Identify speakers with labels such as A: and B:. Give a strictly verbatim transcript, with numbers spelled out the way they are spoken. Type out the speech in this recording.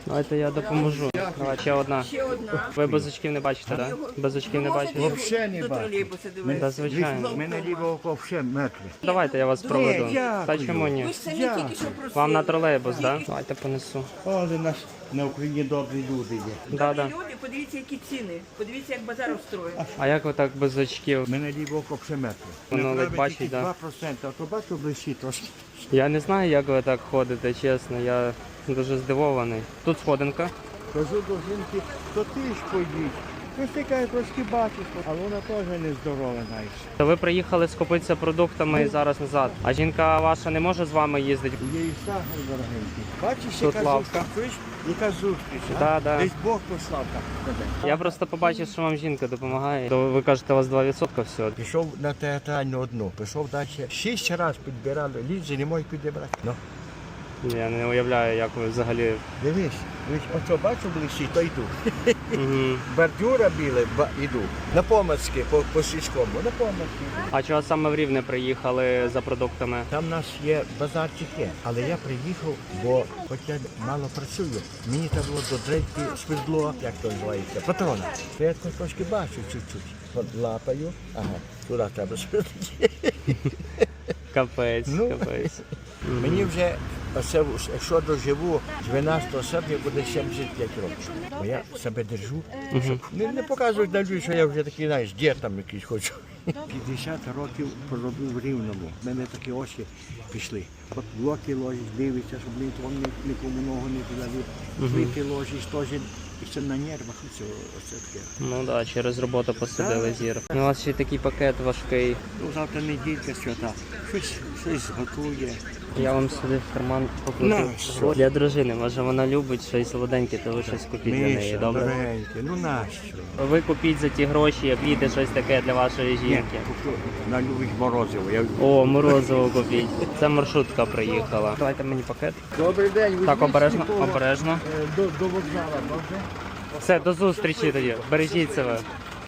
A: Давайте я допоможу. Давай, ще одна.
B: Ще одна.
A: Ви без очків не бачите, так? Да? Без очків не бачите?
C: Взагалі не
B: До
C: бачу.
B: тролейбуса
A: Та
B: дивись.
A: звичайно.
C: У мене ліве око взагалі мертве.
A: Давайте я вас проведу.
C: дякую.
A: Та чому ні?
B: Ви ж самі
C: Я.
B: тільки що просили.
A: Вам на тролейбус, так? Да? Давайте понесу.
C: Але наш на Україні добрі люди є.
A: Да, да.
B: Люди, подивіться, які ціни. Подивіться, як базар устроєн.
A: А як ви так без очків?
C: У мене ліве око взагалі мертве.
A: Воно ледь
C: Направить
A: бачить,
C: тільки
A: да?
C: два відсотки, а то бачу ближче трошки.
A: Я не знаю, як ви так ходите, чесно. Я дуже здивований. Тут сходинка.
C: Кажу до жінки, то ти ж поїдь. Ну, ти каже, трошки бачиш, але вона теж нездорова, знаєш.
A: То ви приїхали скупитися продуктами і зараз назад. А жінка ваша не може з вами їздити?
C: Є і сахар дорогенький. Бачиш,
A: Тут
C: яка
A: лавка.
C: зустріч? Яка зустріч, а?
A: Да, да.
C: Десь Бог послав так тебе.
A: Я просто побачив, що вам жінка допомагає. То ви кажете, у вас два відсотки всього.
C: Пішов на театральну одну, пішов далі. Шість разів підбирали, ліжі не можуть підібрати. Ну,
A: Я не уявляю, як ви взагалі.
C: дивись, дивись, оце бачу ближче, то йду.
A: Угу.
C: Бордюра біле, ба, йду. На Помацьке, по, по сільському, на Помацьке.
A: А чого саме в Рівне приїхали за продуктами?
C: Там у нас є базарчик є, але я приїхав, бо хоч я мало працюю, мені треба було до дрейки свердло, як то називається, патрона. То я трошки бачу чуть-чуть. От лапаю, ага, туди треба свердлити.
A: Капець,
C: Ну.
A: капець.
C: Мені вже, оце, якщо доживу, дванадцятого серпня буде сімдесят п'ять років. Бо я себе держу, щоб не, не показують на людей, що я вже такий, знаєш, дід там якийсь хочу. п'ятдесят років проробив в Рівному. В мене такі очі пішли. От блоки ложиш, дивишся, щоб нікому, нікому ногу не подали. Плити ложиш, теж. І це на нервах, оце, оце таке.
A: Ну так, да, через роботу посадили зір. Ну, у вас ще такий пакет важкий.
C: Ну, завтра неділька, свята. Щось, щось готує.
A: Я вам сюди в карман покладу.
C: На, що?
A: Для дружини, може вона любить щось солоденьке, то ви щось купіть для неї,
C: Миша,
A: добре?
C: дорогеньке, ну нащо?
A: Ви купіть за ті гроші, квіти, щось таке для вашої
C: Ні,
A: жінки.
C: куплю на любить морозиво. Я...
A: О, морозиво купіть. Це маршрутка приїхала. Давайте мені пакет.
C: Добрий день.
A: Так,
C: візьміть
A: обережно,
C: свого,
A: обережно.
C: е, До, до вокзалу, добре?
A: Все, до зустрічі тоді. Бережіть себе.